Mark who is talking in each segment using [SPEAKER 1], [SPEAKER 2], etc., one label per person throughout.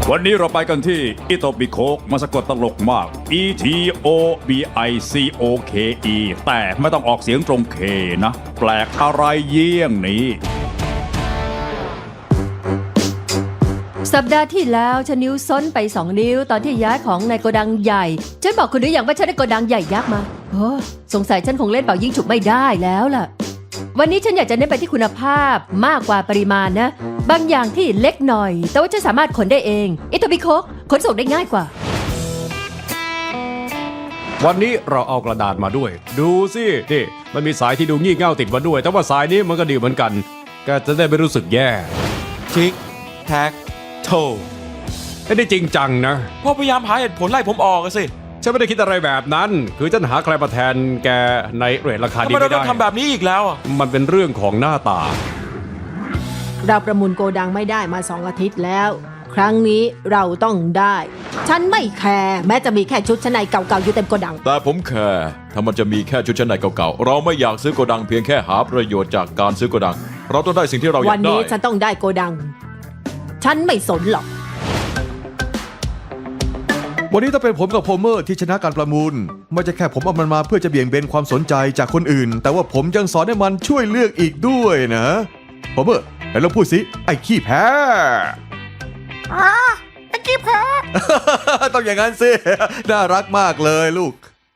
[SPEAKER 1] วันนี้เราไปกันที่อิโตบิโคกมาสะกดตลกมาก ETOBICOKE แต่ไม่ต้องออกเสียงตรงเคนะ แปลกอะไรเยี่ยงนี้
[SPEAKER 2] สัปดาห์ที่แล้วฉันนิ้วซ้นไป2 นิ้วตอนที่ย้ายของในโกดังใหญ่ฉันบอกคุณหรือยังว่าฉันได้โกดังใหญ่ยักษ์มาโอ้สงสัยฉันคงเล่นเป่ายิงฉุบไม่ได้แล้วล่ะวันนี้ฉันอยากจะเน้นไปที่คุณภาพมากกว่าปริมาณนะบางอย่างที่เล็กหน่อยแต่ว่าฉันสามารถขนได้เองอิโตบิโคกขนส่งได้ง่ายกว่า
[SPEAKER 3] วันนี้เราเอากระดาษมาด้วยดูสินี่มันมีสายที่ดูงี่เง่าติดมาด้วยแต่ว่าสายนี้มันก็ดีเหมือนกันแกจะได้ไม่รู้สึกแย่
[SPEAKER 4] ทิกแท็กโท
[SPEAKER 3] ไม่ได้จริงจังนะ
[SPEAKER 4] พ่อพยายามหาเหตุผลไล่ผมออกอะสิ
[SPEAKER 3] ฉันไม่ได้คิดอะไรแบบนั้นคือฉันหาใครมาแทนแกในเรทราคา
[SPEAKER 4] ทำ
[SPEAKER 3] ดี
[SPEAKER 4] ไมเรา
[SPEAKER 3] ไม่
[SPEAKER 4] ต้อ
[SPEAKER 3] ได้
[SPEAKER 4] งทำแบบนี้อีกแล้วอะ
[SPEAKER 3] มันเป็นเรื่องของหน้าตา
[SPEAKER 5] เราประมูลโกดังไม่ได้มา2 อาทิตย์แล้ว ครั้งนี้เราต้องได้ ฉันไม่แคร์แม้จะมีแค่ชุดชั้นในเก่าๆอยู่เต็มโกดัง
[SPEAKER 6] แต่ผมแคร์ถ้ามันจะมีแค่ชุดชั้นในเก่าๆเราไม่อยากซื้อโกดังเพียงแค่หาประโยชน์จากการซื้อโกดัง เราต้องได้สิ่งที่เราอยา
[SPEAKER 5] วัน
[SPEAKER 6] กได้
[SPEAKER 5] นี้ฉันต้องได้โกดัง ฉันไม่สนหรอก
[SPEAKER 7] วันนี้ถ้าเป็นผมกับโพเมอร์ที่ชนะการประมูลไม่ใช่แค่ผมเอามันมาเพื่อจะเบี่ยงเบนความสนใจจากคนอื่น แต่ว่าผมยังสอนให้มันช่วยเลือกอีกด้วยนะโพเมอร์ไหนลองพูดสิไอ้ขี้แพ้ไอ้ขี้แพ้ ต้องอย่างนั้นสิ น่ารักมากเลยลูก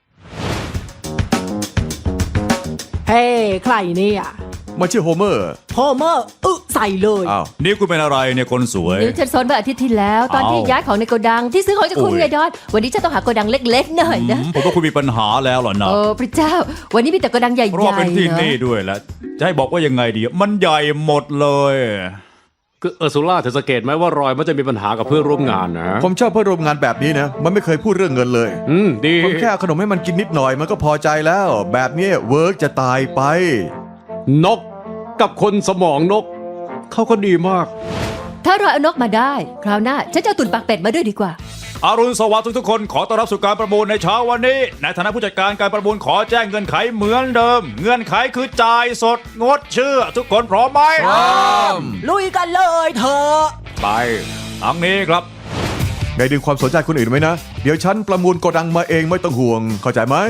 [SPEAKER 5] เฮ้ใครเนี่ย
[SPEAKER 7] มาชื่อโฮเมอร์
[SPEAKER 5] โฮเมอร์ใส่เลย
[SPEAKER 7] อ้าว
[SPEAKER 1] นี่คุณเป็นอะไรเนี่ยคนสวย
[SPEAKER 2] นิ้วฉันซ้นเมื่ออาทิตย์ที่แล้วตอนที่ย้ายของในโกดังที่ซื้อของจากคุณ
[SPEAKER 1] โอ้ย
[SPEAKER 2] ไงดอนวันนี้ฉันต้องหาโกดังเล็กๆหน่อยนะ
[SPEAKER 1] ผมว่าคุณมีปัญหาแล้วเหรอนะ
[SPEAKER 2] โอ้พระเจ้า วันนี้มีแต่โกดังใหญ่ๆ
[SPEAKER 1] เพราะว่าเป็นที่
[SPEAKER 2] เนอะ
[SPEAKER 1] นี่ด้วยแหละจะให้บอกว่ายังไงดี มันใหญ่หมดเลย
[SPEAKER 3] คือเออร์ซูล่าเธอสังเกตไหมว่ารอยมันจะมีปัญหากับเพื่อนร่วมงานนะ
[SPEAKER 7] ผมชอบเพื่อนร่วมงานแบบนี้นะ มันไม่เคยพูดเรื่องเงินเลย
[SPEAKER 3] ดี
[SPEAKER 7] ผมแค่เอาขนมให้มันกินนิดหน่อยมันก็พอใจแล้ว แบบนี้เวิร์กจะตายไป
[SPEAKER 3] นกกับคนสมองนกเขาก็ดีมาก
[SPEAKER 2] ถ้าเราเอานกมาได้ คราวหน้าฉันจะเอาตุ่นปากเป็ดมาด้วยดีกว่า
[SPEAKER 1] อรุณสวัสดิ์ทุกๆคนขอต้อนรับสู่การประมูลในเช้าวันนี้ในฐานะผู้จัดการการประมูลขอแจ้งเงื่อนไขเหมือนเดิม เงื่อนไขคือจ่ายสดงดเชื่อ ทุกคนพร้อมไหม
[SPEAKER 5] ลุยกันเลยเธอะ
[SPEAKER 1] ไปทางนี้ครับ
[SPEAKER 7] ได้ดึงความสนใจคนอื่นไหมนะ เดี๋ยวฉันประมูลโกดังมาเองไม่ต้องห่วง เข้าใจไหม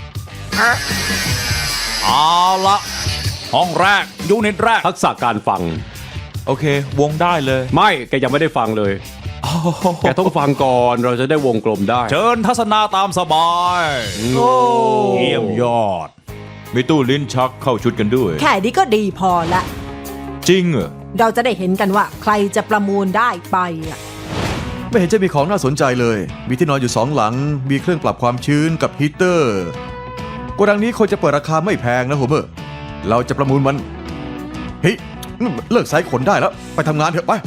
[SPEAKER 1] เอาละห้องแรกยูนิตแรก
[SPEAKER 3] ทักษะการฟัง
[SPEAKER 4] โอเค วงได้เลย
[SPEAKER 3] ไม่แกยังไม่ได้ฟังเลย แกต้องฟังก่อนเราจะได้วงกลมได้
[SPEAKER 1] เชิญทัศนาตามสบายเยี่ยมยอด
[SPEAKER 6] มีตู้ลิ้นชักเข้าชุดกันด้วย
[SPEAKER 5] แค่นี้ก็ดีพอละ
[SPEAKER 6] จริงเหรอ
[SPEAKER 5] เราจะได้เห็นกันว่าใครจะประมูลได้ไปอะ
[SPEAKER 7] ไม่เห็นจะมีของน่าสนใจเลย มีที่นอนอยู่2 หลัง มีเครื่องปรับความชื้นกับฮีตเตอร์ โกดังนี้คนจะเปิดราคาไม่แพงนะโฮเมอร์ เราจะประมูลมัน เฮ้ยเลิกไซส์ขนได้แล้ว ไปทำงานเถอะไป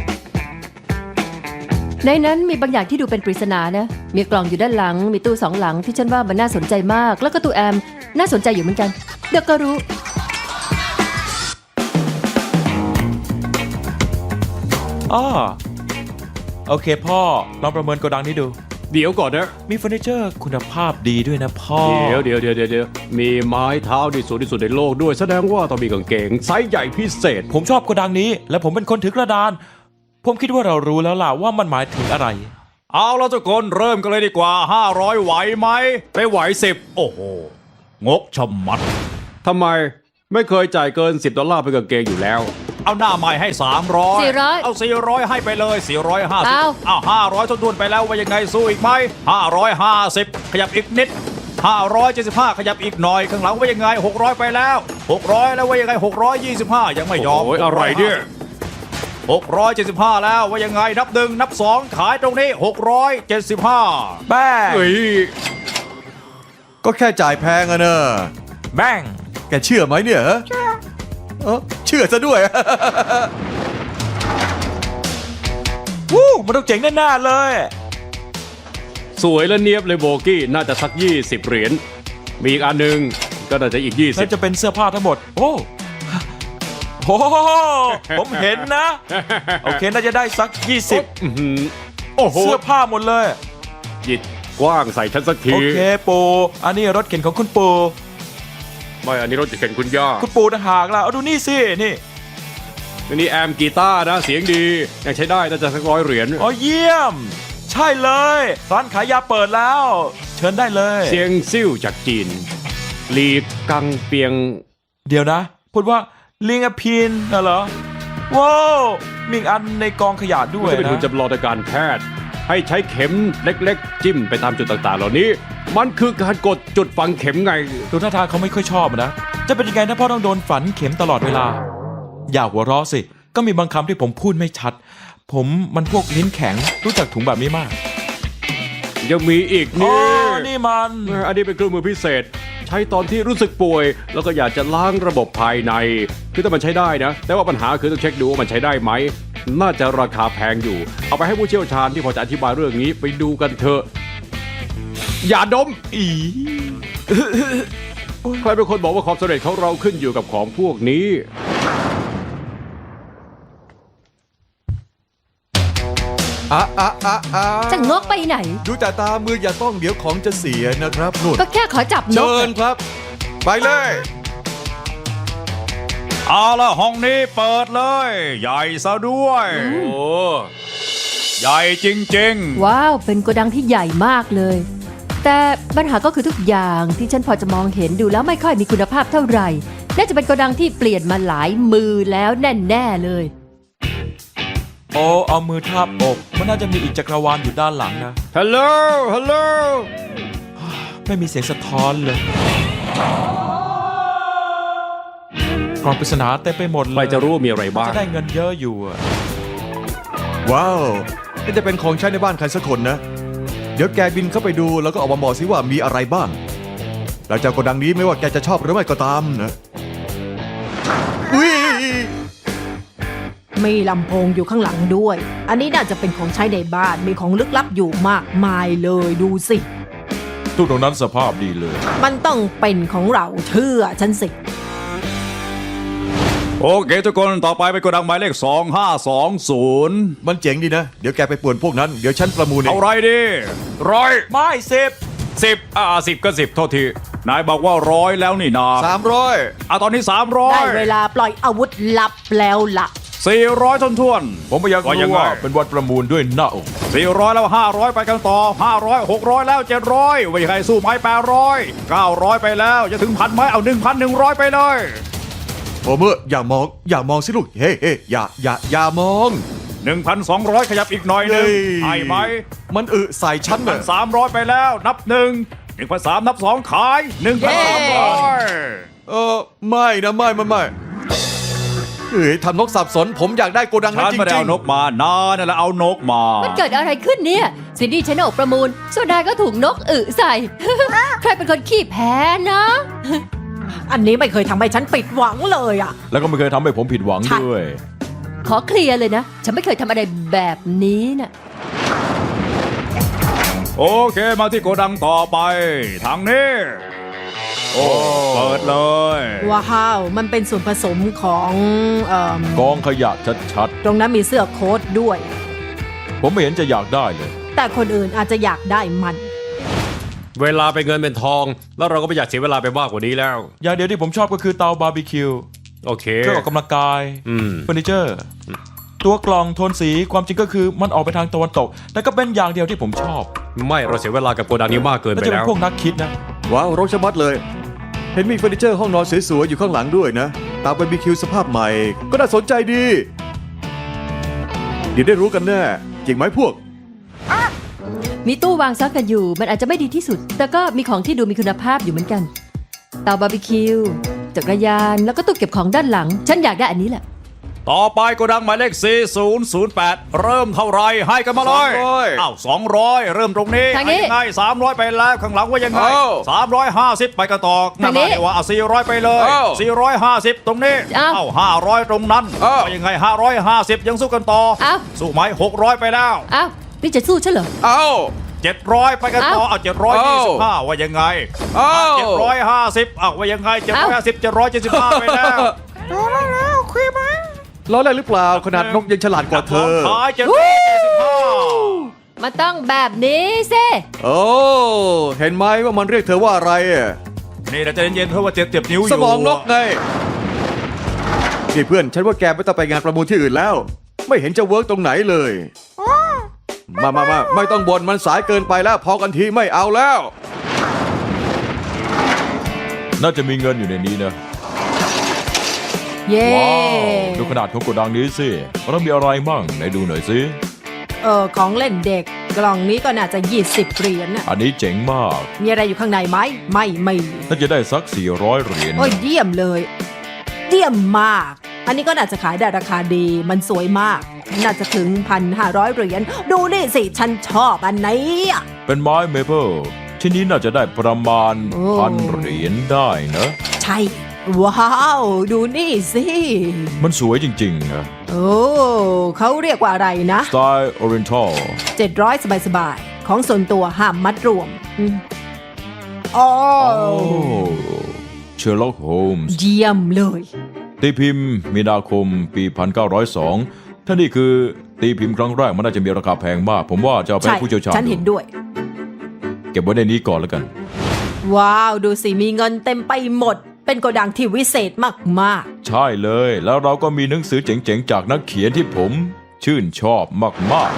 [SPEAKER 2] ในนั้นมีบางอย่างที่ดูเป็นปริศนานะ มีกล่องอยู่ด้านหลัง มีตู้2 หลังที่ฉันว่ามันน่าสนใจมาก แล้วก็ตู้แอมน่าสนใจอยู่เหมือนกัน เดี๋ยวก็รู้
[SPEAKER 4] อ้อโอเคพ่อ ลองประเมินโกดังนี้ดู
[SPEAKER 3] เดี๋ยวก่อนนะ
[SPEAKER 4] มีเฟอร์นิเจอร์คุณภาพดีด้วยนะพ่อ
[SPEAKER 3] เดี๋ยวมีไม้เท้าที่สูงที่สุดในโลกด้วยแสดงว่าต้องมีกางเกงไซส์ใหญ่พิเศษ
[SPEAKER 4] ผมชอบโกดังนี้ และผมเป็นคนถือกระดาน ผมคิดว่าเรารู้แล้วล่ะว่ามันหมายถึงอะไร
[SPEAKER 1] เอาละทุกคนเริ่มกันเลยดีกว่า 500 ไหวไหมไปไหว10โอ้โห งกชะมัด
[SPEAKER 3] ทำไมไม่เคยจ่ายเกิน$10เป็นกางเกงอยู่แล้ว
[SPEAKER 1] เอาหน้าใหม่ให้ 300
[SPEAKER 2] 400
[SPEAKER 1] เอา 400 ให้ไปเลย 450
[SPEAKER 2] เอา
[SPEAKER 1] เอา500ทวนๆไปแล้วว่ายังไงสู้อีกไหม550 ขยับอีกนิด 575 ขยับอีกหน่อย ข้างหลังว่ายังไง 600 ไปแล้ว 600 แล้วว่ายังไง 625 ยังไม่ยอม
[SPEAKER 3] โอ้ยอะไรเนี่ย
[SPEAKER 1] 675 แล้วว่ายังไงนับ 1 นับ 2 ขายตรงนี้ 675
[SPEAKER 4] แบ้ง
[SPEAKER 3] เฮ้ย
[SPEAKER 7] ก็แค่จ่ายแพงอะเนอะ
[SPEAKER 4] แบ้ง
[SPEAKER 7] แกเชื่อไหมเนี่ยฮะเชื่อซะด้วย
[SPEAKER 4] วู้มันต้องเจ๋งแน่ๆเลย
[SPEAKER 3] สวยและเนียบเลยโบกี้น่าจะสัก20 เหรียญมีอีกอันหนึงก็น่าจะอีก
[SPEAKER 4] น่าจะเป็นเสื้อผ้าทั้งหมด โอ้โหผมเห็นนะ โอเค น่าจะได้สัก 20
[SPEAKER 3] อื้อหือโอ้โห
[SPEAKER 4] เสื้อผ้าหมดเลย
[SPEAKER 3] หยิดกว้างใส่ฉันสักที
[SPEAKER 4] โอเคปูอันนี้รถเข็นของคุณปู
[SPEAKER 3] ไม่อันนี้รถจะเข็นคุณย่า
[SPEAKER 4] คุณปูต่างหากล่ะเอาดูนี่สิ นี่
[SPEAKER 3] นี่แอมกีตาร์นะเสียงดียังใช้ได้น่าจะสัก100 เหรียญ
[SPEAKER 4] อ๋อเยี่ยม ใช่เลยร้านขายยาเปิดแล้ว เชิญได้เลย
[SPEAKER 3] เสียงซิ่วจากจีนลีกังเปียง
[SPEAKER 4] เดี๋ยวนะ พูดว่าลิงอพินน่ะเหรอว้าวมีอีกอันในกองขยะด้ว
[SPEAKER 3] มัน
[SPEAKER 4] ย
[SPEAKER 3] จะเป็น
[SPEAKER 4] นะ
[SPEAKER 3] หุ่นจำลองทางการแพทย์ ให้ใช้เข็มเล็กๆ จิ้มไปตามจุดต่างๆ เหล่านี้ มันคือการกดจุดฝังเข็มไง
[SPEAKER 4] ดูท่าทางเขาไม่ค่อยชอบนะ จะเป็นยังไงนะพ่อต้องโดนฝันเข็มตลอดเวลา อย่าหัวเราะสิ ก็มีบางคำที่ผมพูดไม่ชัด ผมมันพวกลิ้นแข็งรู้จักถุงแบบนี้มาก
[SPEAKER 3] ยังมีอีก
[SPEAKER 4] อ๋อ
[SPEAKER 3] นี่
[SPEAKER 4] นี่มัน
[SPEAKER 3] อันนี้เป็นเครื่องมือพิเศษ ใช้ตอนที่รู้สึกป่วย แล้วก็อยากจะล้างระบบภายใน คือถ้ามันใช้ได้นะ แต่ว่าปัญหาคือต้องเช็คดูว่ามันใช้ได้ไหม น่าจะราคาแพงอยู่ เอาไปให้ผู้เชี่ยวชาญที่พอจะอธิบายเรื่องนี้ไปดูกันเถอะ อย่าดม
[SPEAKER 4] อี
[SPEAKER 3] ใครเป็นคนบอกว่าความสำเร็จของเราขึ้นอยู่กับของพวกนี้
[SPEAKER 2] จะงกไปไหน
[SPEAKER 7] ดูแต่ตามืออย่าต้องเดี๋ยวของจะเสียนะครับนุ่น
[SPEAKER 2] ก็แค่ขอจับน
[SPEAKER 7] เชิ
[SPEAKER 2] ก
[SPEAKER 7] ญครับ ไปเลย
[SPEAKER 1] เอาละห้องนี้เปิดเลย ใหญ่ซะด้วย
[SPEAKER 3] โอ้
[SPEAKER 1] ใหญ่จริง
[SPEAKER 2] ว้าว เป็นโกดังที่ใหญ่มากเลย แต่ปัญหาก็คือทุกอย่างที่ฉันพอจะมองเห็นดูแล้วไม่ค่อยมีคุณภาพเท่าไหร่ น่าจะเป็นโกดังที่เปลี่ยนมาหลายมือแล้วแน่ๆเลย
[SPEAKER 4] โอ้เอามือทาบอกมันน่าจะมีอีกจักรวาลอยู่ด้านหลังนะ
[SPEAKER 3] ฮัลโหล ฮัลโหล
[SPEAKER 4] ไม่มีเสียงสะท้อนเลยกล่องปริศนาเต็มไปหมดเลย
[SPEAKER 3] ใครจะรู้ว่ามีอะไรบ้าง
[SPEAKER 4] จะได้เงินเยอะอยู่อะ
[SPEAKER 7] ว้าวนี่จะเป็นของใช้ในบ้านใครสักคนนะ เดี๋ยวแกบินเข้าไปดูแล้วก็ออกมาบอกสิว่ามีอะไรบ้างหลังจากโกดังนี้ไม่ว่าแกจะชอบหรือไม่ก็ตามนะอุ้ย
[SPEAKER 5] มีลำโพงอยู่ข้างหลังด้วย อันนี้น่าจะเป็นของใช้ในบ้าน มีของลึกลับอยู่มากมายเลยดูสิ
[SPEAKER 6] ทุกตรงนั้นสภาพดีเลย
[SPEAKER 5] มันต้องเป็นของเราเชื่อฉันสิ
[SPEAKER 1] ๆ โอเคทุกคนต่อไปเป็นโกดังหมายเลข 2520
[SPEAKER 7] มันเจ๋งดีนะ เดี๋ยวแกไปป่วนพวกนั้น เดี๋ยวฉันประมูลเอ
[SPEAKER 1] เอา
[SPEAKER 7] ง
[SPEAKER 1] ไรดีร้อย
[SPEAKER 4] ไม่เซฟ
[SPEAKER 1] 10ก็10โทษทีนายบอกว่า100แล้วนี่นา
[SPEAKER 7] 300
[SPEAKER 1] ตอนนี้
[SPEAKER 5] ได้เวลาปล่อยอาวุธลับแล้วล่ะ
[SPEAKER 1] 300 400ท้วน
[SPEAKER 6] ผมไม่อยาก
[SPEAKER 1] ว่ายัง
[SPEAKER 6] รู้
[SPEAKER 1] ไง
[SPEAKER 6] ว่าเป็นวันประมูลด้วยหน้าอก
[SPEAKER 1] 400แล้ว500ไปกันต่อ500 600แล้ว700ว่ายังไงสู้ไหม800 900ไปแล้วจะถึง1,000ไหมเอา 1,100 ไปเลย
[SPEAKER 7] โอเมอร์อย่ามองสิลูก เฮ้อย่ามอง
[SPEAKER 1] 1,200 ขยับอีกหน่อยหนึง
[SPEAKER 7] เฮ้ย
[SPEAKER 1] ให้ไหม
[SPEAKER 7] มันใส่ฉันน่ะ
[SPEAKER 1] 300 ไปแล้วนับ1 1,300 นับ 2 ขาย 1,300
[SPEAKER 7] ไม่นะไม่เฮ้ยทำนกสับสนผมอยากได้โกดังนั้
[SPEAKER 1] ฉั
[SPEAKER 7] น
[SPEAKER 1] น
[SPEAKER 7] จ
[SPEAKER 1] ไม่ได้
[SPEAKER 7] ริง
[SPEAKER 1] เอานกมานานั่นแหละเอานกมา
[SPEAKER 2] มันเกิดอะไรขึ้นเนี่ยซินดี้ชนะออกประมูลส่วนนายก็ถูกนกใส่ ใครเป็นคนขี้แพ้นะ
[SPEAKER 5] อันนี้ไม่เคยทำให้ฉันปิดหวังเลยอ่ะ
[SPEAKER 6] แล้วก็ไม่เคยทำให้ผมผิดหวัง
[SPEAKER 5] ใช่
[SPEAKER 6] ด้วย
[SPEAKER 2] ขอเคลียร์เลยนะ ฉันไม่เคยทำอะไรแบบนี้น่ะ
[SPEAKER 1] โอเคมาที่โกดังต่อไป ทางนี้ โอ้เปิดเลย
[SPEAKER 5] ว้าว มันเป็นส่วนผสมของ
[SPEAKER 6] กองขยะชัด
[SPEAKER 5] ตรงนั้นมีเสื้อโค้ทด้วย
[SPEAKER 6] ๆ ผมไม่เห็นจะอยากได้เลย
[SPEAKER 5] แต่คนอื่นอาจจะอยากได้มัน
[SPEAKER 3] เวลาเป็นเงินเป็นทอง แล้วเราก็ไม่อยากเสียเวลาไปมากกว่านี้แล้ว
[SPEAKER 4] อย่างเดียวที่ผมชอบก็คือเตาบาร์บีคิว
[SPEAKER 3] โอเค
[SPEAKER 4] เครื่องออกกำลังกาย
[SPEAKER 3] อืม
[SPEAKER 4] เฟอร์นิเจอร์ ตัวกล่องโทนสีความจริงก็คือมันออกไปทางตะวันตก แต่ก็เป็นอย่างเดียวที่ผมชอบ
[SPEAKER 3] ไม่เราเสียเวลากับโกดังนี้มากเกิน
[SPEAKER 4] แล้ว
[SPEAKER 3] ไป
[SPEAKER 4] จะเป็
[SPEAKER 3] แล้
[SPEAKER 4] น
[SPEAKER 3] ว
[SPEAKER 4] พวกนักคิดนะ
[SPEAKER 7] ว้าวรกชะมัดเลย เห็นมีเฟอร์นิเจอร์ห้องนอนสวยๆอยู่ข้างหลังด้วยนะตามบาร์บีคิวสภาพใหม่ ก็น่าสนใจดี เดี๋ยวได้รู้กันแน่จริงไหมพวก
[SPEAKER 2] มีตู้วางซักกันอยู่ มันอาจจะไม่ดีที่สุด แต่ก็มีของที่ดูมีคุณภาพอยู่เหมือนกัน เตาบาร์บีคิว จักรยาน แล้วก็ตู้เก็บของด้านหลัง ฉันอยากได้อันนี้แหละ
[SPEAKER 1] ต่อไปโกดังหมายเลข 4008 เริ่มเท่าไรให้กันมาเลย
[SPEAKER 7] 200
[SPEAKER 1] อ้าว200 เริ่มตรงนี้
[SPEAKER 2] ทางนี้
[SPEAKER 1] ให้ยังไง300 ไปแล้วข้างหลังว่ายังไง
[SPEAKER 7] เอ้า
[SPEAKER 1] 350 ไปกันต่อ
[SPEAKER 2] ทางนี้
[SPEAKER 1] ว่าเอา400 ไปเลย
[SPEAKER 7] เอ้า
[SPEAKER 1] 450 ตรงนี้
[SPEAKER 2] เอ้า
[SPEAKER 1] 500 ตรงนั้น
[SPEAKER 7] เอ้า
[SPEAKER 1] ว่ายังไง550 ยังสู้กันต่อ
[SPEAKER 2] เอ้า
[SPEAKER 1] สู้ไหม600 ไปแล้ว
[SPEAKER 2] อ้าวนี่จะสู้ฉันเหรอ
[SPEAKER 7] เอ้า
[SPEAKER 1] 700 ไปกันต่อ
[SPEAKER 2] เอ้า
[SPEAKER 1] 725 ว่ายังไง
[SPEAKER 7] เอ้า
[SPEAKER 1] 750ว่ายังไง750 775 ไปแล้ว
[SPEAKER 7] ล้อเล่นหรือเปล่าขนาดนกยังฉลาดกว่าเธอ
[SPEAKER 1] ขาย775
[SPEAKER 2] มันต้องแบบนี้สิ
[SPEAKER 7] โอ้เห็นไหมว่ามันเรียกเธอว่าอะไรอะ
[SPEAKER 1] นี่เราจะเย็นๆเพราะว่าเจ็บนิ้วอยู่
[SPEAKER 7] สมองนกไงนี่เพื่อนฉันว่าแกไม่ต้องไปงานประมูลที่อื่นแล้ว ไม่เห็นจะเวิร์กตรงไหนเลย มาไม่ต้องบ่นมันสายเกินไปแล้ว พอกันทีไม่เอาแล้ว
[SPEAKER 6] น่าจะมีเงินอยู่ในนี้นะ
[SPEAKER 5] เย้
[SPEAKER 6] ว้าวดูขนาดของโกดังนี้สิเรามีอะไรมั่งไหนดูหน่อยสิ
[SPEAKER 5] ของเล่นเด็ก กล่องนี้ก็น่าจะ20เหรียญน่ะ
[SPEAKER 6] อันนี้เจ๋งมาก
[SPEAKER 5] มีอะไรอยู่ข้างในไหมไม่มี
[SPEAKER 6] น่าจะได้สัก400เหรียญ
[SPEAKER 5] โอ้ยเยี่ยมเลย เยี่ยมมาก อันนี้ก็น่าจะขายได้ราคาดี มันสวยมาก น่าจะถึง 1,500 เหรียญ ดูนี่สิ ฉันชอบอันนี้อะ
[SPEAKER 6] เป็นไม้เมเปิลที่นี้น่าจะได้ประมาณ
[SPEAKER 5] โอ้
[SPEAKER 6] 1,000 เหรียญได้นะ
[SPEAKER 5] ใช่ ว้าว ดูนี่สิ
[SPEAKER 6] มันสวยจริงๆนะ
[SPEAKER 5] โอ้เขาเรียกว่าอะไรนะ
[SPEAKER 6] สไตล์ออริเอนทัล
[SPEAKER 5] 700 สบายๆ ของส่วนตัวห้ามมัดรวมอ๋อ
[SPEAKER 6] เชอร์ล็อกโฮมส์
[SPEAKER 5] เยี่ยมเลย
[SPEAKER 6] ตีพิมพ์มีนาคมปี 1902 ถ้านี่คือตีพิมพ์ครั้งแรกมันน่าจะมีราคาแพงมาก ผมว่าจะเอาไป
[SPEAKER 5] ใช่
[SPEAKER 6] ให้ผู้เชี่ยวชาญ
[SPEAKER 5] ฉันเห็นด้วย
[SPEAKER 6] เก็บไว้ในนี้ก่อนแล้วกัน
[SPEAKER 5] ว้าว ดูสิ มีเงินเต็มไปหมด เป็นโกดังที่วิเศษมาก
[SPEAKER 6] ใช่เลย แล้วเราก็มีหนังสือเจ๋งๆ จากนักเขียนที่ผมชื่นชอบมาก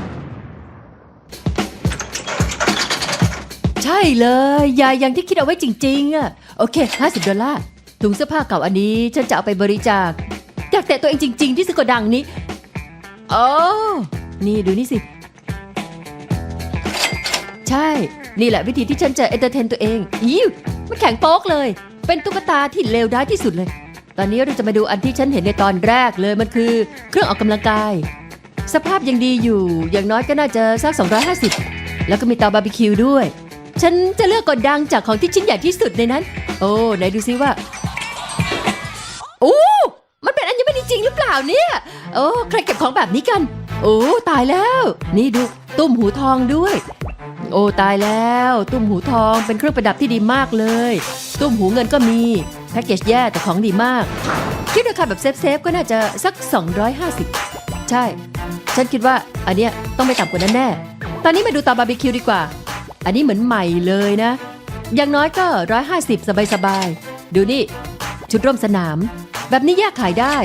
[SPEAKER 2] ใช่เลยยายอย่างที่คิดเอาไว้จริงๆอะโอเค$50ถุงเสื้อผ้าเก่าอันนี้ฉันจะเอาไปบริจาคอยากแตะตัวเองจริง ๆ ที่ซื้อกระดังนี้โอ้นี่ดูนี่สิ ใช่ นี่แหละวิธีที่ฉันจะเอนเตอร์เทนตัวเองอิวมันแข็งโป๊กเลย เป็นตุ๊กตาที่เลวร้ายที่สุดเลย ตอนนี้เราจะมาดูอันที่ฉันเห็นในตอนแรกเลยมันคือเครื่องออกกำลังกาย สภาพยังดีอยู่ อย่างน้อยก็น่าจะสัก250แล้วก็มีเตาบาร์บีคิวด้วย ฉันจะเลือกกดดังจากของที่ชิ้นใหญ่ที่สุดในนั้น โอ้ไหนดูซิว่าโอ้มันเป็นอัญมณีจริงหรือเปล่าเนี่ย โอ้ใครเก็บของแบบนี้กัน โอ้ตายแล้ว นี่ดูตุ้มหูทองด้วย โอ้ตายแล้ว ตุ้มหูทองเป็นเครื่องประดับที่ดีมากเลย ตุ้มหูเงินก็มีแพ็กเกจแย่แต่ของดีมากคิดราคาแบบเซฟก็น่าจะสัก250ใช่ ฉันคิดว่าอันเนี้ยต้องไม่ต่ำกว่านั้นแน่ ตอนนี้มาดูเตาบาร์บีคิวดีกว่า อันนี้เหมือนใหม่เลยนะ อย่างน้อยก็150สบายๆดูนี่ชุดร่วมสนาม แบบนี้แยกขายได้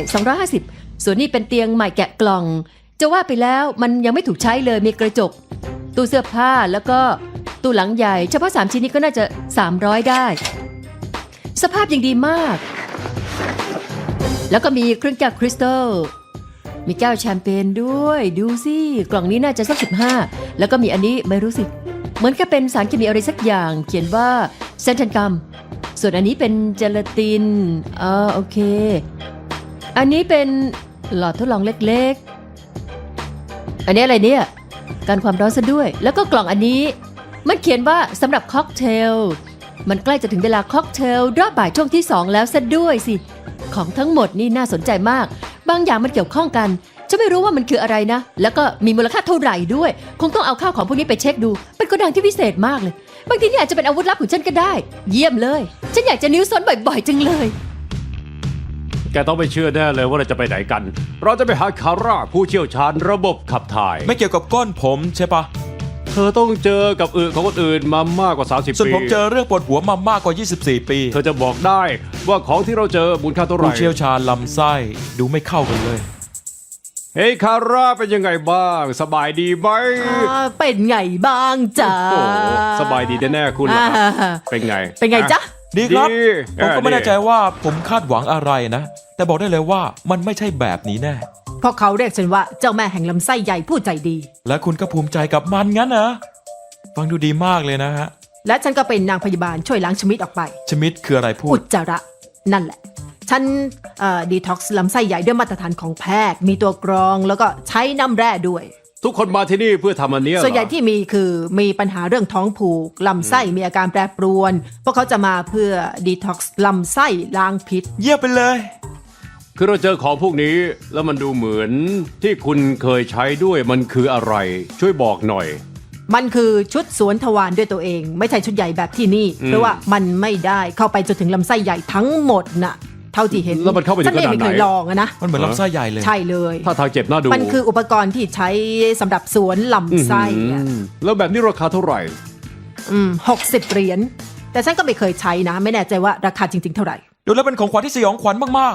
[SPEAKER 2] 250ส่วนนี้เป็นเตียงใหม่แกะกล่อง จะว่าไปแล้วมันยังไม่ถูกใช้เลยมีกระจก ตู้เสื้อผ้าแล้วก็ตู้หลังใหญ่เฉพาะ3ชิ้นนี้ก็น่าจะ300ได้สภาพยังดีมาก แล้วก็มีเครื่องแก้วคริสตัลมีแก้วแชมเปญด้วยดูสิกล่องนี้น่าจะสัก15แล้วก็มีอันนี้ไม่รู้สิเหมือนกับเป็นสารเคมีอะไรสักอย่างเขียนว่าเซนทันกัมส่วนอันนี้เป็นเจลาตินโอเคอันนี้เป็นหลอดทดลองเล็กๆอันนี้อะไรเนี่ยการความร้อนซะด้วยแล้วก็กล่องอันนี้มันเขียนว่าสำหรับค็อกเทลมันใกล้จะถึงเวลาค็อกเทลรอบบ่ายช่วงที่2แล้วซะด้วยสิของทั้งหมดนี่น่าสนใจมากบางอย่างมันเกี่ยวข้องกันฉันไม่รู้ว่ามันคืออะไรนะแล้วก็มีมูลค่าเท่าไหร่ด้วยคงต้องเอาข้าวของพวกนี้ไปเช็คดูเป็นโกดังที่พิเศษมากเลยบางทีนี่อาจจะเป็นอาวุธลับของฉันก็ได้เยี่ยมเลยฉันอยากจะนิ้วซ้นบ่อยๆจังเลย
[SPEAKER 3] แกต้องไปเชื่อแน่เลยว่าเราจะไปไหนกัน เราจะไปหาคาร่าผู้เชี่ยวชาญระบบขับถ่าย
[SPEAKER 4] ๆ ไม่เกี่ยวกับก้นผมใช่ปะ
[SPEAKER 3] เธอต้องเจอกับอึของคนอื่นมามากกว่า30
[SPEAKER 4] ส่วน
[SPEAKER 3] ปี
[SPEAKER 4] ผมเจอเรื่องปวดหัวมามากกว่า24 ปี
[SPEAKER 3] เธอจะบอกได้ว่าของที่เราเจอมูลค่าเท่าไหร่
[SPEAKER 4] ผู้เชี่ยวชาญลำไส้ดูไม่เข้ากันเลย
[SPEAKER 3] เฮ้ยคาร่าเป็นยังไงบ้าง สบายดีไหม
[SPEAKER 5] เป็นไงบ้างจ๊ะ
[SPEAKER 3] โอ้โหสบายดีแน่ๆคุณล่ะครับ เป็นไง
[SPEAKER 5] เป็นไงจ๊ะ
[SPEAKER 4] ดีครับ
[SPEAKER 3] ดี
[SPEAKER 4] ผมก็ไม่
[SPEAKER 3] ดี
[SPEAKER 4] แน่ใจว่าผมคาดหวังอะไรนะ แต่บอกได้เลยว่ามันไม่ใช่แบบนี้แน่
[SPEAKER 5] เพราะเขาเรียกฉันว่าเจ้าแม่แห่งลำไส้ใหญ่ผู้ใจดี
[SPEAKER 4] และคุณก็ภูมิใจกับมันงั้นนะฟังดูดีมากเลยนะฮะ
[SPEAKER 5] และฉันก็เป็นนางพยาบาลช่วยล้างชมิดออกไป
[SPEAKER 4] ชมิดคืออะไรพู
[SPEAKER 5] อุ
[SPEAKER 4] ด
[SPEAKER 5] จจาระนั่นแหละ ฉันดีท็อกซ์ลำไส้ใหญ่ด้วยมาตรฐานของแพทย์ มีตัวกรองแล้วก็ใช้น้ำแร่ด้วย
[SPEAKER 3] ทุกคนมาที่นี่เพื่อทำอันเนี้ยเรอ
[SPEAKER 5] ส่วนใหญ่ที่มีคือมีปัญหาเรื่องท้องผูกลำไส้มีอาการแปรปรวน พวกเขาจะมาเพื่อดีท็อกซ์ลำไส้ล้างพิษ
[SPEAKER 4] เยี่ยมไปเลย
[SPEAKER 3] คือเราเจอของพวกนี้แล้วมันดูเหมือนที่คุณเคยใช้ด้วยมันคืออะไร ช่วยบอกหน่อย
[SPEAKER 5] มันคือชุดสวนทวารด้วยตัวเอง ไม่ใช่ชุดใหญ่แบบที่นี่ เพราะว่ามันไม่ได้เข้าไปจนถึงลำไส้ใหญ่ทั้งหมดน่ะ เท่าที่เห็น
[SPEAKER 3] แล้วมันเข้าไปถึง
[SPEAKER 5] ฉันเองไม่
[SPEAKER 3] ขนาดไหน
[SPEAKER 5] เคยลองอะนะ
[SPEAKER 4] มันเหมือนลำไส้ใหญ่เลย
[SPEAKER 5] ใช่เลย
[SPEAKER 3] ถ้าทางเจ็บน่าดู
[SPEAKER 5] มันคืออุปกรณ์ที่ใช้สำหรับสวนลำไส้อะ
[SPEAKER 3] แล้วแบบนี้ราคาเท่าไหร่
[SPEAKER 5] 60 เหรียญแต่ฉันก็ไม่เคยใช้นะ ไม่แน่ใจว่าราคาจริง ๆ เท่าไหร่
[SPEAKER 4] ดูแล้วเป็นของขวัญที่สยองขวัญมาก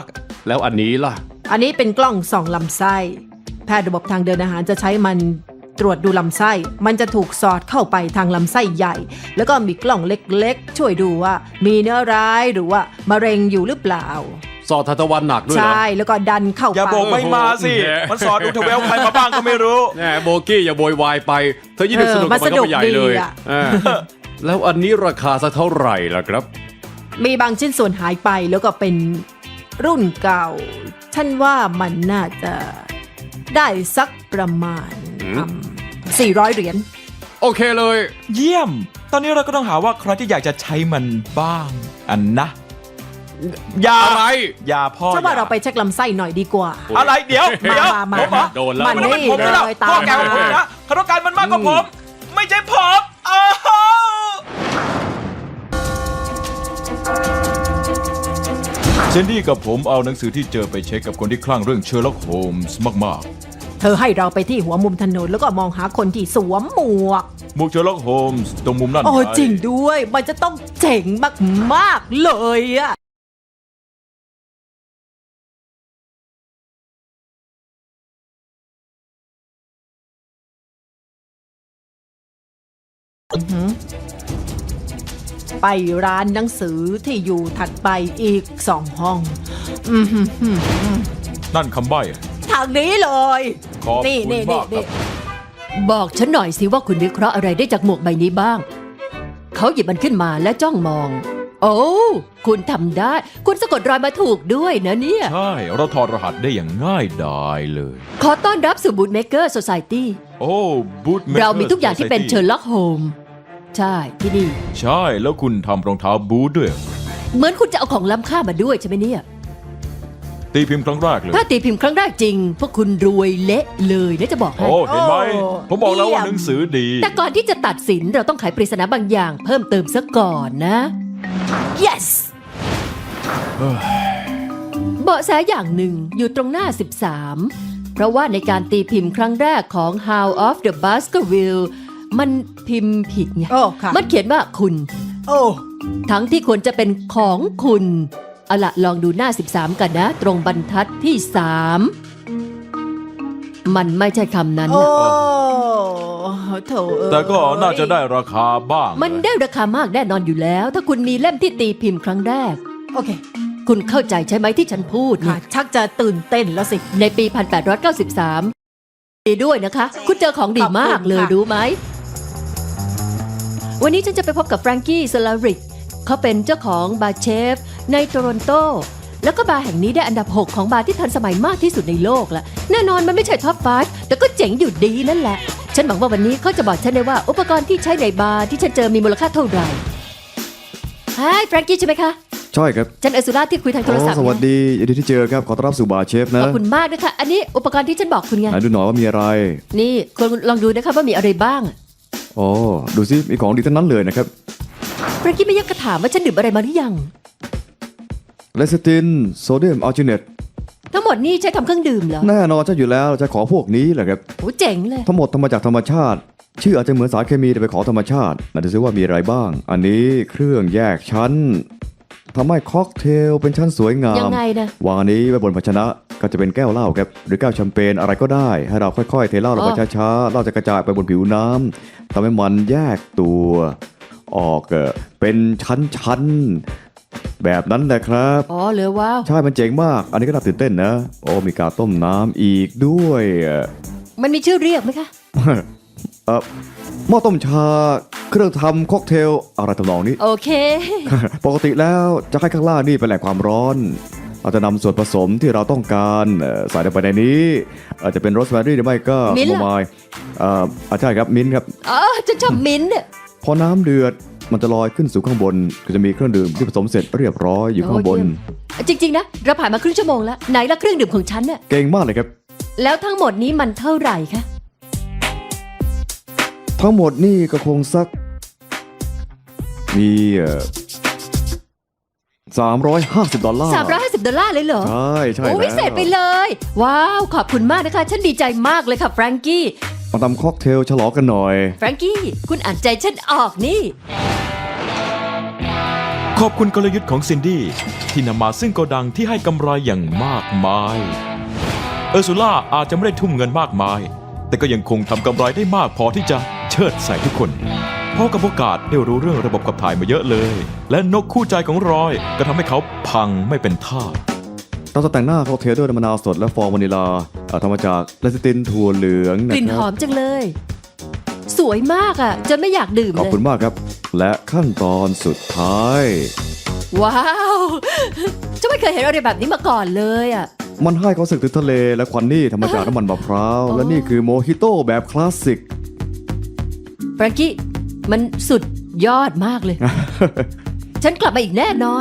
[SPEAKER 3] แล้วอันนี้ล่ะ
[SPEAKER 5] อันนี้เป็นกล้องส่องลำไส้ แพทย์ระบบทางเดินอาหารจะใช้มันตรวจดูลำไส้ มันจะถูกสอดเข้าไปทางลำไส้ใหญ่ แล้วก็มีกล้องเล็กๆ ช่วยดูว่ามีเนื้อร้ายหรือว่ามะเร็งอยู่หรือเปล่า
[SPEAKER 3] สอดทานตะวันหนักด้วยเหรอ
[SPEAKER 5] ใช่แล้วก็ดันเข้าไป
[SPEAKER 4] อย่าบอกไม่มาสิ
[SPEAKER 3] โอ้โห
[SPEAKER 4] มันสอนดูทเวลใครมาบ้างก็ไม่รู้
[SPEAKER 3] แหมโบกี้อย่าโวยวายไป เธอยิ่งสนุกกับมันก็ไปใหญ่เลย แล้วอันนี้ราคาสักเท่าไหร่ล่ะครับ
[SPEAKER 5] มีบางชิ้นส่วนหายไปแล้วก็เป็นรุ่นเก่า ฉันว่ามันน่าจะได้สักประมาณ 400 เหรียญ
[SPEAKER 3] โอเคเลย
[SPEAKER 4] เยี่ยม ตอนนี้เราก็ต้องหาว่าใครที่อยากจะใช้มันบ้าง อันนะ อย่า
[SPEAKER 3] อะไร
[SPEAKER 4] อย่าพ่อ
[SPEAKER 5] ฉันว่า
[SPEAKER 4] อย่
[SPEAKER 5] เราไปเช็คลำไส้หน่อยดีกว่า
[SPEAKER 4] อะไรเดี๋ยว
[SPEAKER 5] มา
[SPEAKER 4] ผมเหรอ
[SPEAKER 3] โดนแล้ว
[SPEAKER 5] มัน
[SPEAKER 4] มัน
[SPEAKER 5] นี่
[SPEAKER 4] ผมไม่หรอก
[SPEAKER 5] เลยตาม
[SPEAKER 4] พ่อแกของผม
[SPEAKER 5] มา
[SPEAKER 4] นะเขาต้องการมันมากกว่าผม ไม่ใช่ผมอ้าว
[SPEAKER 6] เจนนี่กับผมเอาหนังสือที่เจอไปเช็คกับคนที่คลั่งเรื่องเชอร์ล็อกโฮมส์มาก
[SPEAKER 5] เธอให้เราไปที่หัวมุมถนนแล้วก็มองหาคนที่สวมหมวก
[SPEAKER 6] ๆหมวกเชอร์ล็อกโฮมส์ตรงมุมนั่น
[SPEAKER 5] โอ้
[SPEAKER 6] ไ
[SPEAKER 5] จริงด้วย มันจะต้องเจ๋งมากๆเลยอะอือหือไปร้านหนังสือที่อยู่ถัดไปอีก2 ห้อง อือหือ
[SPEAKER 6] นั่นคำใบ้
[SPEAKER 5] ทางนี้เลย
[SPEAKER 6] ขอบ
[SPEAKER 5] นี่
[SPEAKER 6] คุณ
[SPEAKER 5] นี่
[SPEAKER 6] มากครั
[SPEAKER 5] นี่
[SPEAKER 6] บ
[SPEAKER 2] บอกฉันหน่อยสิว่าคุณวิเคราะห์อะไรได้จากหมวกใบนี้บ้าง เขาหยิบมันขึ้นมาและจ้องมอง โอ้คุณทำได้ คุณสะกดรอยมาถูกด้วยนะเนี่ย
[SPEAKER 6] ใช่ เราถอดรหัสได้อย่างง่ายดายเลย
[SPEAKER 2] ขอต้อนรับสู่บูธเมเกอร์โซซายตี้
[SPEAKER 6] โอ้บูธ
[SPEAKER 2] เรามีทุกอย่างที่เป็นเชอร์ล็อกโฮมใช่ที่นี่
[SPEAKER 6] ใช่แล้วคุณทำรองเท้าบูธด้วย
[SPEAKER 2] เหมือนคุณจะเอาของล้ำค่ามาด้วยใช่ไหมเนี่ย
[SPEAKER 6] ตีพิมพ์ครั้งแรกเลย
[SPEAKER 2] ถ้าตีพิมพ์ครั้งแรกจริง พวกคุณรวยเละเลยนะจะบอกให้
[SPEAKER 6] โอ้เห็นไหม
[SPEAKER 5] โอ้
[SPEAKER 6] ผมบอกแล้วว่า
[SPEAKER 5] เยี่ยม
[SPEAKER 6] หนังสือดี
[SPEAKER 2] แต่ก่อนที่จะตัดสินเราต้องไขปริศนาบางอย่าง เพิ่มเติมซะก่อนนะ yes เบาะแสอย่างหนึ่งอยู่ตรงหน้า 13 เพราะว่าในการตีพิมพ์ครั้งแรกของ How of the Baskerville มันพิมพ์ผิดไง
[SPEAKER 5] โอ้ค่ะ
[SPEAKER 2] มันเขียนว่าคุณ
[SPEAKER 5] โอ้
[SPEAKER 2] ทั้งที่ควรจะเป็นของคุณเอาละลองดูหน้า 13 กันนะ ตรงบรรทัดที่ 3 มันไม่ใช่คำนั้น
[SPEAKER 5] โอ้
[SPEAKER 2] นะ
[SPEAKER 5] โถเอ้ย
[SPEAKER 6] แต่ก็น่าจะได้ราคาบ้าง
[SPEAKER 2] มันได้ราคามากแน่นอนอยู่แล้ว ถ้าคุณมีเล่มที่ตีพิมพ์ครั้งแรก
[SPEAKER 5] โอเค
[SPEAKER 2] คุณเข้าใจใช่ไหมที่ฉันพูด
[SPEAKER 5] ค่ะ
[SPEAKER 2] เนี่ย
[SPEAKER 5] ชักจะตื่นเต้นแล้วสิ
[SPEAKER 2] ในปี 1893 ดีด้วยนะคะ คุณเจอของดีมากเลย
[SPEAKER 5] ขอบคุณค่ะ
[SPEAKER 2] รู้ไหม วันนี้ฉันจะไปพบกับแฟรงกี้สลาริกเขาเป็นเจ้าของบาร์เชฟในโตรอนโต แล้วก็บาร์แห่งนี้ได้อันดับ 6 ของบาร์ที่ทันสมัยมากที่สุดในโลกละแน่นอนมันไม่ใช่ท็อป 5 แต่ก็เจ๋งอยู่ดีนั่นแหละ ฉันหวังว่าวันนี้เขาจะบอกฉันได้ว่าอุปกรณ์ที่ใช้ในบาร์ที่ฉันเจอมีมูลค่าเท่าไหร่ฮายแฟรงกี้ใช่ไหมคะ
[SPEAKER 7] ใช่ครับ
[SPEAKER 2] ฉันเอซูล่าที่คุยทางโทรศัพท์
[SPEAKER 7] สวัสดียินดีที่เจอครับ ขอต้อนรับสู่บาร์เชฟนะ
[SPEAKER 2] ขอบคุณมากนะคะ อันนี้อุปกรณ์ที่ฉันบอกคุณไง
[SPEAKER 7] ไหนดูหน่อยว่ามีอะไร
[SPEAKER 2] นี่คุณลองดูนะคะว่ามีอะไรบ้าง
[SPEAKER 7] อ๋อ ดูสิ มีของดีทั้งนั้นเลยนะครับ
[SPEAKER 2] เมื่อกี้ไม่ยักกระถามว่าฉันดื่มอะไรมาหรือยัง
[SPEAKER 7] เลสติน โซเดียมอัลจิเนต
[SPEAKER 2] ทั้งหมดนี่ใช้ทำเครื่องดื่มเหรอ
[SPEAKER 7] แน่นอนจะอยู่แล้วจะขอพวกนี้แหละครับ
[SPEAKER 2] โอ้เจ๋งเลย
[SPEAKER 7] ทั้งหมดทำมาจากธรรมชาติ ชื่ออาจจะเหมือนสารเคมีแต่ไปนของธรรมชาติน่าจะซิว่ามีอะไรบ้าง อันนี้เครื่องแยกชั้นทำให้ค็อกเทลเป็นชั้นสวยงาม
[SPEAKER 2] ยังไงนะ
[SPEAKER 7] วางอันนี้ไว้บนภาชนะก็จะเป็นแก้วเหล้าครับหรือแก้วแชมเปญอะไรก็ได้ ให้เราค่อยๆเทเหล้าลงไปช้าๆเหล้าจะกระจายไปบนผิวน้ำทำให้มันแยกตัวออกเป็นชั้นๆแบบนั้นแหละครับ
[SPEAKER 2] อ๋อเหลือว้าว
[SPEAKER 7] ใช่มันเจ๋งมาก อันนี้ก็น่าตื่นเต้นนะโอ้มีการต้มน้ำอีกด้วย
[SPEAKER 2] มันมีชื่อเรียกไหมคะ
[SPEAKER 7] หม้อต้มชาเครื่องทำค็อกเทลอะไรทำนองนี้
[SPEAKER 2] โอเค
[SPEAKER 7] ปกติแล้วจะให้ข้างล่างนี่เป็นแหล่งความร้อน เราจะนำส่วนผสมที่เราต้องการใส่ลงไปในนี้อาจจะเป็นโรสแมรี่หรือไม่ก็
[SPEAKER 2] มิ้นท์
[SPEAKER 7] โม
[SPEAKER 2] เหรอ
[SPEAKER 7] ไมล์ใช่ครับมิ้นท์ครับ
[SPEAKER 2] อ๋อฉันชอบมิ้นท์เนี่ย
[SPEAKER 7] พอน้ำเดือดมันจะลอยขึ้นสู่ข้างบน ก็จะมีเครื่องดื่มที่ผสมเสร็จเรียบร้อยอยู่ข้างบน
[SPEAKER 2] จริงๆนะ เราผ่านมาครึ่งชั่วโมงแล้ว ไหนละเครื่องดื่มของฉันน่ะ
[SPEAKER 7] เก่งมากเลยครับ
[SPEAKER 2] แล้วทั้งหมดนี้มันเท่าไหร่คะ
[SPEAKER 7] ทั้งหมดนี่ก็คงสักมี$350
[SPEAKER 2] $350เลยเหรอ
[SPEAKER 7] ใช่ใช่
[SPEAKER 2] โอ้
[SPEAKER 7] แล้ว
[SPEAKER 2] พิเศษไปเลย ว้าว ขอบคุณมากนะคะ ฉันดีใจมากเลยค่ะแฟรงกี้
[SPEAKER 7] มาทำค็อกเทลฉลองกันหน่อย
[SPEAKER 2] แฟรงกี้ คุณอ่านใจฉันออกนี่
[SPEAKER 6] ขอบคุณกลยุทธ์ของซินดี้ที่นำมาซึ่งโกดังที่ให้กำไรอย่างมากมาย เออร์ซูล่าอาจจะไม่ได้ทุ่มเงินมากมาย แต่ก็ยังคงทำกำไรได้มากพอที่จะเชิดใส่ทุกคนเพราะกับโอกาสได้รู้เรื่องระบบขับถ่ายมาเยอะเลย และนกคู่ใจของรอยก็ทำให้เขาพังไม่เป็นท่า
[SPEAKER 8] เราจะแต่งหน้าค็อกเทลด้วยน้ำมะนาวสดและฟองวานิลาทำมาจากเลซิตินถั่วเหลือง
[SPEAKER 2] ก
[SPEAKER 8] นะ
[SPEAKER 2] ลิ่น
[SPEAKER 8] ค
[SPEAKER 2] ห
[SPEAKER 8] รั
[SPEAKER 2] อบ มจังเลย สวยมากอ่ะจนไม่อยากดื่ม
[SPEAKER 8] ขอบ
[SPEAKER 2] เลย
[SPEAKER 8] คุณมากครับ และขั้นตอนสุดท้าย
[SPEAKER 2] ว้าวจะไม่เคยเห็นอะไรแบบนี้มาก่อนเลยอ่ะ
[SPEAKER 8] มันให้ความรู้สึกถึงทะเลและควันนี่ทำมาจากน้ำมันมะพร้าว และนี่คือโมฮิโต้แบบคลาสสิก
[SPEAKER 2] แฟรงกี้มันสุดยอดมากเลย ฉันกลับมาอีกแน่นอน